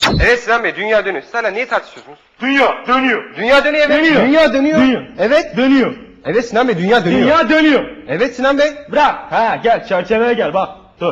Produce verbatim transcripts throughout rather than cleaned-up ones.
Evet Sinan Bey, dünya dönüyor. Siz hala niye tartışıyorsunuz? Dünya dönüyor. Dünya dönüyor evet. Dönüyor. Dünya dönüyor. Dönüyor. Evet. Dönüyor. Evet Sinan Bey, dünya dönüyor. Dünya dönüyor. Evet Sinan Bey. Bırak. Ha gel çerçeveye gel bak. Dur.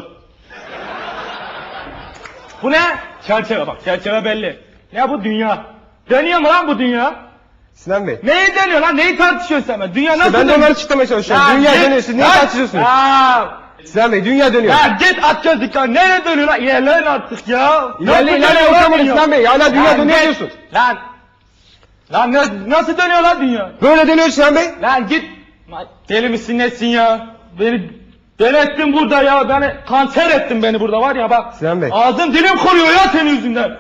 Bu ne? Çerçeve bak. Çerçeve belli. Ne bu dünya? Dönüyor mu lan bu dünya? Sinan Bey. Neyi dönüyor lan? Neyi tartışıyorsun sen? Ben? Dünya nasıl ben de dönüyor? onları açıklamaya çalışıyorum. Ya Dünya git. dönüyor. Siz niye Ya- tartışıyorsunuz? Ya, Sinan Bey, dünya dönüyor. ya git at gözlük lan. Nereye dönüyor lan? İlerleyin artık ya. İlerle Nasıl ilerle dönüyor lan oturamadı dünya? Sinan Bey. Hala dünya Lan dönüyor git. diyorsun. Lan. Lan ne- nasıl dönüyor lan dünya? Böyle dönüyor Sinan Bey. Lan git. Lan deli misin nesin ya? Beni deli ettin burada ya. Beni kanser ettin beni burada var ya bak. Sinan Bey. Ağzım dilim koruyor ya senin yüzünden.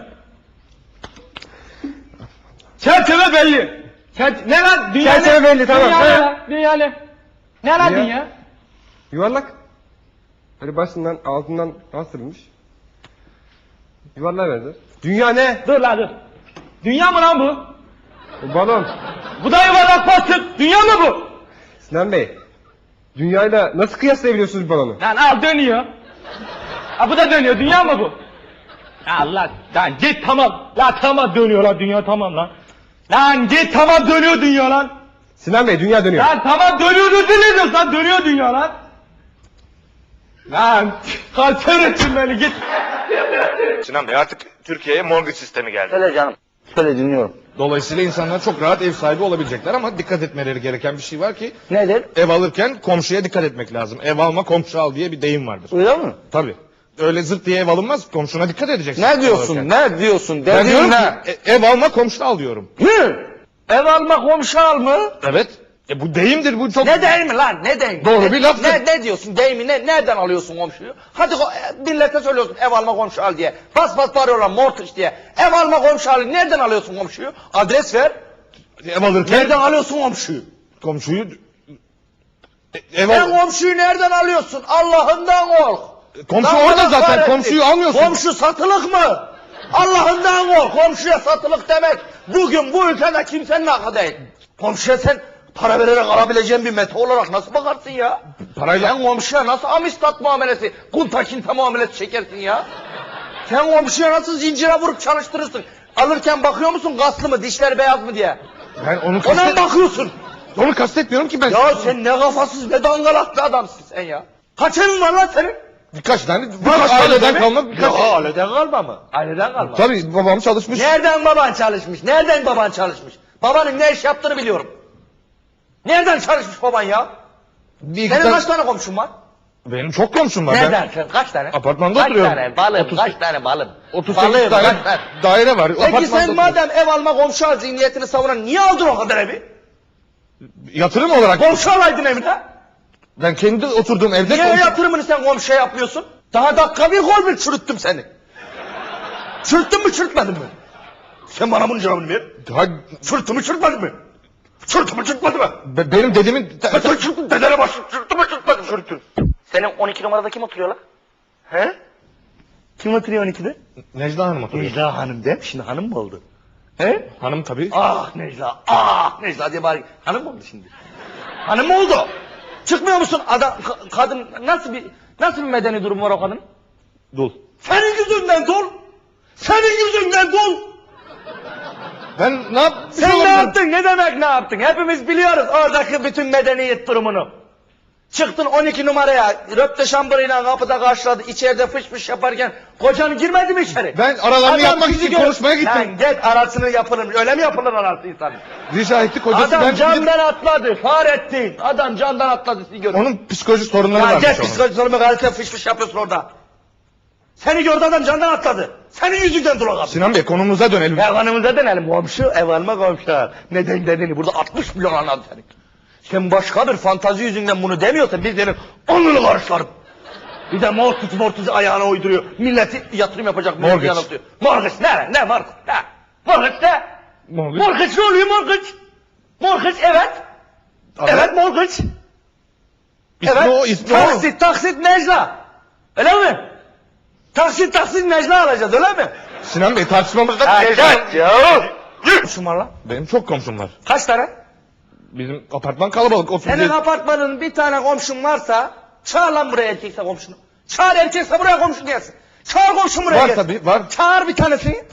Çerçeve belli. Çer- ne lan? Dünya Çerçeve ne? belli, tamam. Dünya Evet. ne lan? Dünya ne? Ne lan Dünya- dünya? Yuvarlak. Böyle başından altından bastırılmış. Yuvarlığa benzer. Dünya ne? Dur lan dur. Dünya mı lan bu? Bu balon. Bu da yuvarlak bastık. Dünya mı bu? Sinan Bey. Dünyayla nasıl kıyaslayabiliyorsunuz bu balonu? Lan al dönüyor. Ha bu da dönüyor. Dünya mı bu? Allah lan git tamam. La tamam dönüyor lan dünya tamam lan. Lan git tamam dönüyor dünya lan. Sinan Bey, dünya dönüyor. Lan tamam dönüyor dönüyor lan dönüyor dünya lan. Lan kanser ettin beni git. Sinan Bey artık Türkiye'ye mortgage sistemi geldi. Söyle canım. Söyle dinliyorum. Dolayısıyla insanlar çok rahat ev sahibi olabilecekler ama dikkat etmeleri gereken bir şey var ki Nedir? ev alırken komşuya dikkat etmek lazım. Ev alma komşu al diye bir deyim vardır. Öyle mi? Tabii. Öyle zırt diye ev alınmaz, komşuna dikkat edeceksin. Ne diyorsun? Alırken. Ne diyorsun? Ben Dediğin diyorum ne? ki e- ev alma komşu al diyorum. Hı? Ev alma komşu al mı? Evet. E bu deyimdir bu çok. Ne deyimi lan? Ne deyimi? Doğru ne, bir laftır. Ne, ne diyorsun? Deyimi ne? Nereden alıyorsun komşuyu? Hadi ko- e, millete söylüyorsun ev alma komşu al diye. Bas bas bağırıyorlar mortgage diye. Ev alma komşu al. Nereden alıyorsun komşuyu? Adres ver. Ev alırken Nereden alıyorsun komşuyu? komşuyu E, ev Sen al... komşuyu nereden alıyorsun? Allah'ından kork. Komşu Lan orada Allah zaten, kahretsin. komşuyu almıyorsun. Komşu satılık mı? Allah'ından kork. Komşuya satılık demek bugün bu ülkede kimsenin hakkı değil. Komşuya sen para vererek alabileceğin bir meta olarak nasıl bakarsın ya? Parayla- Sen komşuya nasıl amistat muamelesi, kunta kinta muamelesi çekersin ya? Sen komşuya nasıl zincire vurup çalıştırırsın? Alırken bakıyor musun kaslı mı, dişleri beyaz mı diye? Ben onu Ona mı kastet... bakıyorsun? onu kastetmiyorum ki ben. Ya sen ne kafasız ne dangalak bir adamsın sen ya. Kaç evin var lan senin? Birkaç tane Birkaç tane aileden mi? kalma birkaç. Ya aileden kalma mı? Aileden kalma. Tabii babam çalışmış. Nereden baban çalışmış? Nereden baban çalışmış? Babanın ne iş yaptığını biliyorum. Nereden çalışmış baban ya? Bir iki Senin tane- kaç tane komşun var? Benim çok komşum var. Nereden? Sen kaç tane? Apartmanda kaç oturuyorum. Kaç tane balım? otuz Kaç tane balım? Ben otuz sekiz Balım, tane kaç tane? daire var. Peki Apartmanda sen oturuyorum. madem ev alma komşu al zihniyetini savunan niye aldın o kadar evi? Yatırım olarak Komşu alaydın evine. ben kendi oturduğum evde Niye komşu- yatırımını sen komşuya yapmıyorsun? Daha dakika bir gol bir çürüttüm seni. Çürüttün mü çürütmedin mi? Sen bana bunun cevabını ver. Ha, Çürüttün mü çürütmedin mi? Çürüttün mü çürütmedin mi? be- benim dedemin Ben sen çürüttün dedene başladın. Çürüttün mü çürütmedin mi? Çürüttün. Senin on iki numarada kim oturuyor lan? He? Kim oturuyor on ikide? Necla Hanım oturuyor. Necla Hanım de. Şimdi hanım mı oldu? He? Hanım tabii. Ah Necla, ah Necla diye bari hanım mı oldu şimdi? Hanım mı oldu? Çıkmıyor musun adam, ka- kadın nasıl bir nasıl bir medeni durum var o kadın? Dul. Senin yüzünden dol. Senin yüzünden dol. Ben ne yap? Sen ne yaptın? Ne demek ne yaptın? Hepimiz biliyoruz oradaki bütün medeniyet durumunu. Çıktın on iki numaraya, röpte şambırıyla kapıda karşıladı, içeride fış fış yaparken kocan girmedi mi içeri? Ben aralarını Adam yapmak bizi için gör- konuşmaya gittim. Lan git arasını yapılır, öyle mi yapılır arası insanın? Rica etti kocası. Adam ben camdan atladı, Fahrettin. Adam camdan atladı, sizi görüyor. onun psikolojik sorunları Ya varmış geç onun. psikolojik sorunu gazete fış fış yapıyorsun orada. Seni gördü adam camdan atladı. Senin yüzünden dur o kapı. Sinan Bey konumuza dönelim. Ev hanımıza dönelim komşu, ev alma komşu. Neden dediğini burada altmış milyon anladı seni. Sen başka bir fantazi yüzünden bunu demiyorsan biz senin onunu karışlarım. Bir de mortgage mortgage ayağına uyduruyor. Milleti yatırım yapacak milleti Mortgage. yanıltıyor. Mortgage ne? Ne mortgage? Ne? Mortgage ne? Mortgage. Mortgage ne oluyor mortgage? Mortgage evet. Abi, Evet mortgage. ismi Evet. o, ismi o. taksit taksit Necla. Öyle mi? Taksit taksit Necla alacağız öyle mi? Sinan Bey tartışmamızda Ha, Necla. gel ya. Komşum var lan. Benim çok komşum var. Kaç tane? Bizim apartman kalabalık. otuz Senin yedi apartmanın bir tane komşun varsa çağır lan buraya erkekse komşunu. Çağır erkekse buraya komşu gelsin. Çağır komşun buraya Var gelsin. tabii, var. Çağır bir tanesini.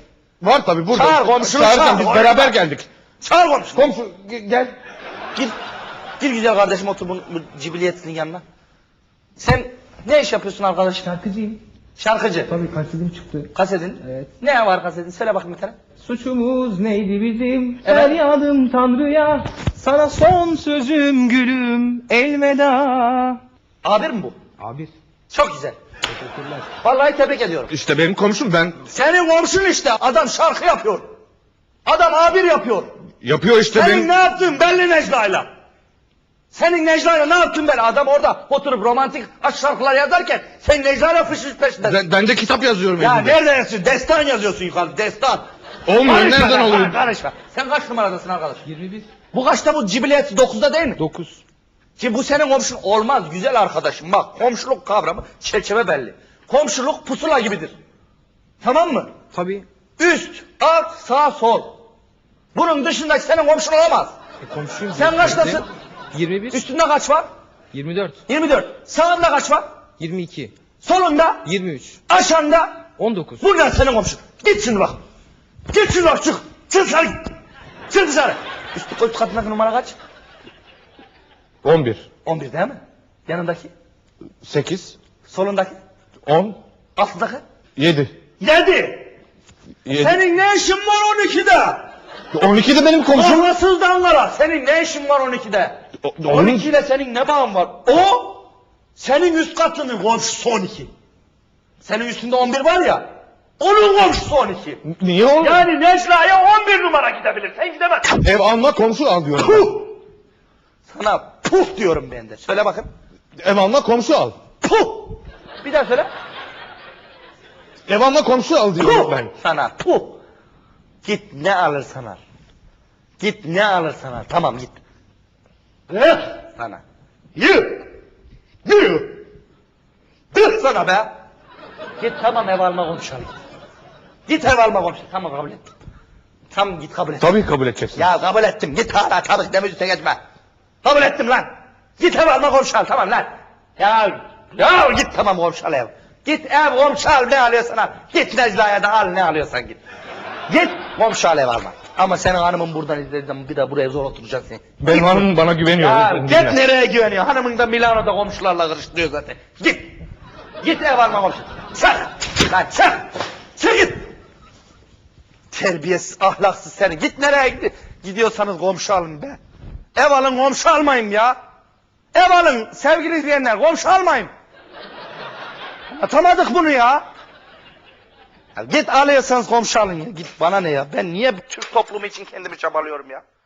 Var tabii burada. Çağır komşunu, Çağıracağım, çağır. biz Oraya beraber bak. geldik. Çağır komşunu. Komşu ge- gel. Gir. Gir güzel kardeşim otur bu, bu cibiliyetinin yanına. Sen ne iş yapıyorsun arkadaş? Şarkıcıyım. Şarkıcı. Tabii kasetim çıktı. Kasetin. Evet. Ne var kasetin? Söyle bakayım bir tane. Suçumuz neydi bizim? Evet. Feryadım Tanrı'ya. Sana son sözüm gülüm elveda. Abir mi bu? Abi. Çok güzel. Teşekkürler. Vallahi tebrik ediyorum. İşte benim komşum, ben Senin komşun işte. Adam şarkı yapıyor. Adam abir yapıyor. yapıyor işte Senin benim. ne yaptın belli Necla'yla. Senin Necla'yla ne yaptın belli. Adam orada oturup romantik aşk şarkılar yazarken sen Necla'yla fışış peşindesin. Ben, ben de kitap yazıyorum Ya elimde. nerede yazıyorsun? Destan yazıyorsun yukarı. Destan. Olmuyor, Karışma nereden lan, oluyor? Karışma. Sen kaç numaradasın arkadaş? yirmi bir. Bu kaçta bu cibiliyeti? Dokuzda değil mi? dokuz. Ki bu senin komşun olmaz güzel arkadaşım. Bak komşuluk kavramı çerçeve belli. Komşuluk pusula gibidir. Tamam mı? Tabii. Üst, alt, sağ, sol. Bunun dışındaki senin komşun olamaz. E, komşuyum. Sen kaçtasın? yirmi bir. Üstünde kaç var? yirmi dört. yirmi dört. Sağında kaç var? yirmi iki. Solunda? yirmi üç. Aşağında? on dokuz. Bunlar senin komşun. Git şimdi bak. Git şimdi bak çık. Çık dışarı git. Çık dışarı. Üstü, üst katındaki numara kaç? on bir, on bir değil mi? Yanındaki? sekiz, Solundaki? on, Altındaki? yedi. Yedi. yedi. Senin ne işin var on ikide? on iki de benim komşum. Olmasız danlara. Senin ne işin var on ikide? O- on iki ile senin ne bağın var? O senin üst katının komşusu on iki. Senin üstünde on bir var ya. Onun komşusu on iki. Niye oğlum? Yani Necla'ya on bir numara gidebilir. Sen gidemezsin. Ev alma, komşu al diyorum. Puh! Sana puh diyorum ben de. Söyle bakayım. Ev alma, komşu al. Puh! Bir daha söyle. Ev alma, komşu al diyorum Puh! ben. Sana puh! Git ne alırsan al. Git ne alırsan al. Tamam git. Eh! Sana. Yürü! Yürü! Dur sana be! Git tamam ev alma komşu al. Git. Git ev alma komşu. Tamam kabul ettim. Tamam git kabul et. Tabii kabul edeceksin. Ya kabul ettim. Git hala tabii deme üstüne geçme. Kabul ettim lan. Git ev alma komşu al tamam lan. Ya ya git tamam komşu al ev. Git ev komşu al ne alıyorsan al. Git Necla'ya da al ne alıyorsan git. Git komşu al ev alma. Ama senin hanımın buradan izlediğinden bir de buraya zor oturacaksın. Benim Git. hanımım bana güveniyor. Ya Dinle. git nereye güveniyor? Hanımın da Milano'da komşularla karıştırıyor zaten. Git. Git ev alma komşu. Çık. Lan çık. Çık git. Terbiyesiz, ahlaksız seni. Git nereye gidi- gidiyorsanız komşu alın be. Ev alın komşu almayın ya. Ev alın sevgili izleyenler komşu almayın. Atamadık bunu ya. Ya git alıyorsanız komşu alın ya. Git bana ne ya. Ben niye Türk toplumu için kendimi çabalıyorum ya.